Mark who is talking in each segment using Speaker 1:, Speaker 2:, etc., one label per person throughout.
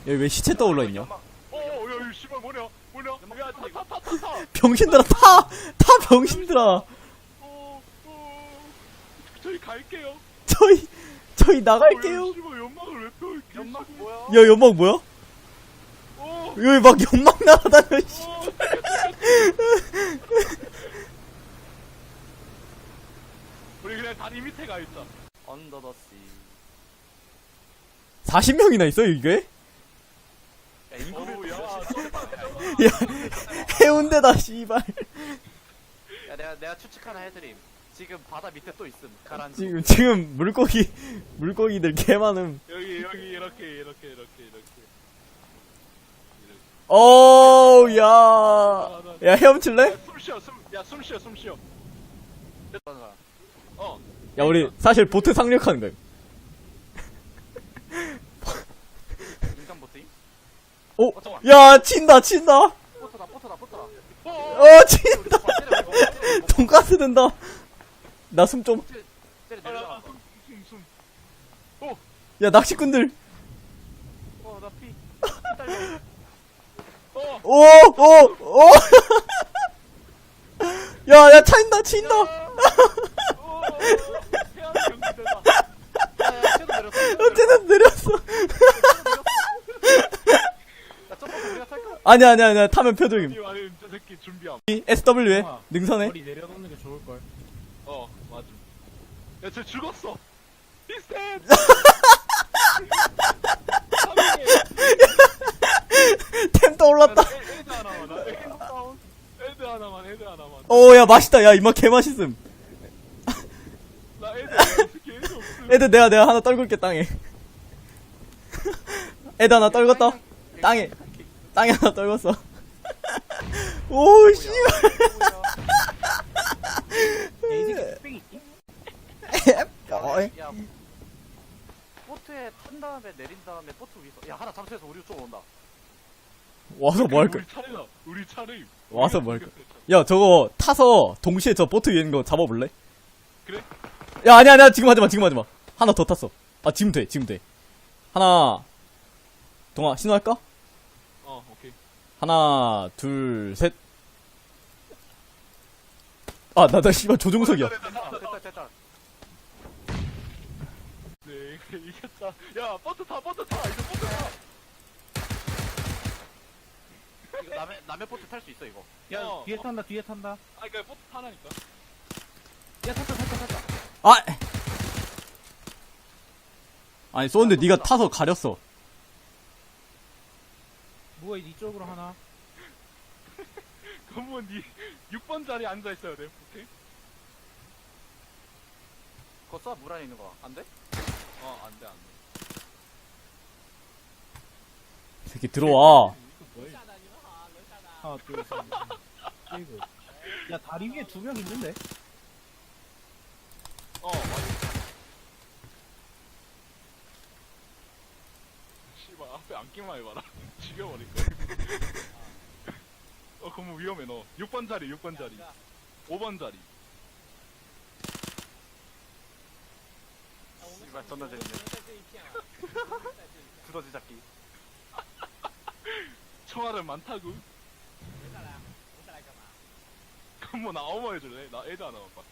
Speaker 1: 여기 왜 시체 떠올라 있냐?
Speaker 2: 야, 이 씨발 뭐냐? 야, 타.
Speaker 1: 병신들아, 타 병신들아.
Speaker 2: 저희 갈게요.
Speaker 1: 저희 나갈게요.
Speaker 2: 씨발 연막을 왜 펴? 연막 뭐야?
Speaker 1: 야, 연막 뭐야? 여기 막 연막 날아다녀, 씨.
Speaker 2: 우리 그냥 다리 밑에 가 있자.
Speaker 3: 언더 더 씨.
Speaker 1: 40명이나 있어요, 이게?
Speaker 2: 야, 인구를 야,
Speaker 1: 야, 해운대다, 씨발.
Speaker 3: 야, 내가 추측 하나 해드림. 지금 바다 밑에 또 있음. 가라앉.
Speaker 1: 지금 물고기들 개 많음.
Speaker 2: 여기 이렇게.
Speaker 1: 오, 야, 헤엄칠래?
Speaker 2: 숨 쉬어.
Speaker 1: 야, 우리 사실 보트 상륙하는 거야.
Speaker 3: 인간 보트임?
Speaker 1: 오,
Speaker 3: 잠깐만.
Speaker 1: 야, 친다.
Speaker 3: 포터다.
Speaker 1: 친다. 돈가스 된다. 나 숨 좀.
Speaker 3: 때려 내려.
Speaker 2: 숨.
Speaker 1: 야, 낚시꾼들.
Speaker 3: 나 피. 딸려.
Speaker 1: 오. 야, 친다.
Speaker 3: 야, 쟤도 내렸어.
Speaker 1: 쟤는 내렸어.
Speaker 3: 야, 점프 우리가 탈까?
Speaker 1: 아니야. 타면 표정임.
Speaker 2: 아니 저 새끼 준비함.
Speaker 1: SW에 능선해.
Speaker 4: 머리 내려놓는 게 좋을걸.
Speaker 2: 맞음. 야, 쟤 죽었어. 비슷해.
Speaker 1: 템 떠올랐다.
Speaker 2: 헤드 하나만. 헤드 하나만.
Speaker 1: 오, 야, 맛있다. 야, 이맛 개 맛있음.
Speaker 2: 나 헤드 없음.
Speaker 1: 애들 내가 하나 떨굴게, 땅에. 애들 하나 떨궜다. 땅에 하나 떨궜어. 오, 씨.
Speaker 4: 이 새끼 뚝배기 있지?
Speaker 3: 야, 보트에 탄 다음에 내린 다음에 보트 위에서 야 하나 잠수해서 우리 쪽으로 온다.
Speaker 1: 와서 뭐 할까?
Speaker 2: 우리 차례임.
Speaker 1: 와서 뭐 할까? 야, 저거 타서 동시에 저 보트 위에 있는 거 잡아볼래?
Speaker 2: 그래?
Speaker 1: 야, 아니야. 지금 하지 마. 하나 더 탔어. 아, 지금 돼. 하나. 동아, 신호할까?
Speaker 2: 오케이.
Speaker 1: 하나, 둘, 셋. 아, 나 씨발 조종석이야.
Speaker 3: 됐다.
Speaker 2: 네, 이겼다. 야, 버트 타. 이제 버트 타.
Speaker 3: 이거 남의 보트 탈 수 있어 이거.
Speaker 4: 야, 뒤에 탄다.
Speaker 2: 그니까 버트 타라니까.
Speaker 4: 야, 탔다.
Speaker 1: 아! 아니, 쏘는데 네가 타서 가렸어.
Speaker 4: 뭐야, 이쪽으로 하나?
Speaker 2: 그러면 니 6번 자리에 앉아있어야 돼, 오케이?
Speaker 3: 그거 쏴, 물 안에 있는 거. 안 돼?
Speaker 2: 안 돼.
Speaker 1: 이 새끼 들어와.
Speaker 4: 하나, 둘, 셋, 넷, 일곱. 야, 다리 위에 2명 있는데?
Speaker 2: 맞아. 씨발, 앞에 앉기만 해봐라. 죽여버릴 거야. 그럼 위험해, 너. 6번 자리. 5번 자리.
Speaker 3: 씨발 존나 재밌네. 두더지 잡기.
Speaker 2: 총알은 많다구. 그럼 뭐 나 어머 해줄래? 나 애드 하나만 봐.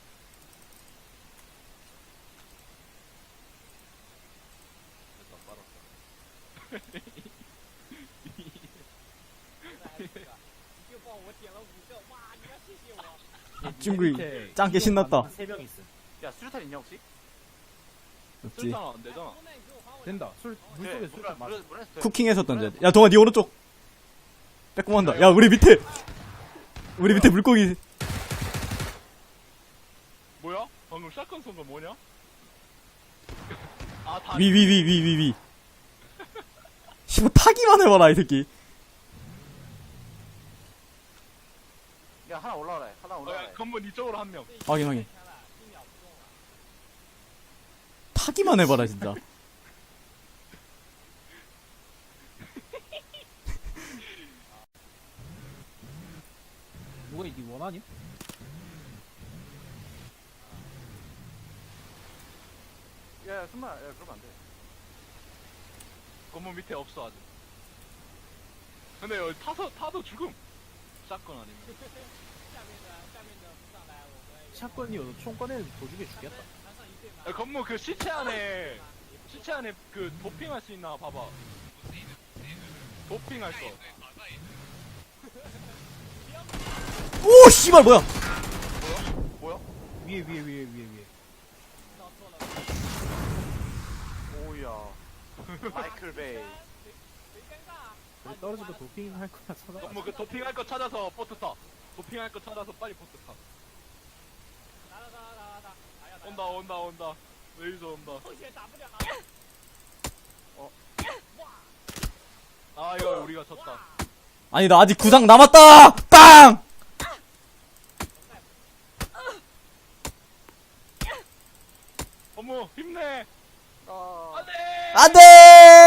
Speaker 2: 됐다, 빨았다.
Speaker 1: 친구 짱게 신났다.
Speaker 4: 3명 있음.
Speaker 3: 야 수류탄 있냐 혹시?
Speaker 1: 없지.
Speaker 2: 쓸잖아, 안 되잖아.
Speaker 4: 된다. 물속에 술탄 맞아.
Speaker 3: 물에서 돼.
Speaker 1: 쿠킹해서 던져야 돼. 야, 동아, 니 오른쪽. 빼꼼한다. 야, 우리 밑에 물고기.
Speaker 2: 뭐야? 방금 샷건 쏜 거 뭐냐? 다.
Speaker 1: 위. 씨발, 타기만 해봐라, 이 새끼.
Speaker 3: 야 하나 올라와라.
Speaker 2: 야, 건물 이쪽으로 한 명.
Speaker 1: 확인. 타기만 해봐라, 진짜.
Speaker 4: 뭐야, 니 원하니?
Speaker 3: 야, 승마, 야, 그러면 안 돼.
Speaker 2: 건물 밑에 없어 아직. 근데 여기 타도 죽음. 샷건 아니면.
Speaker 4: 샷건이어도 총 꺼내는 도중에 죽겠다.
Speaker 2: 야, 건물 그 시체 안에 그 도핑할 수 있나 봐봐. 도핑할 거.
Speaker 1: 오 씨발 뭐야?
Speaker 2: 뭐야?
Speaker 4: 위에.
Speaker 3: 오우야. 마이클 베이.
Speaker 4: 그래, 떨어져도 도핑 할 거나 찾아.
Speaker 2: 건물 그 도핑할 거 찾아서 보트 타. 도핑할 거 찾아서 빨리 보트 타. 온다. 레이저 온다. 아 이거 우리가 졌다.
Speaker 1: 아니 나 아직 구상 남았다. 빵.
Speaker 2: 어머 힘내.
Speaker 3: 아.
Speaker 2: 안돼.
Speaker 1: 안돼.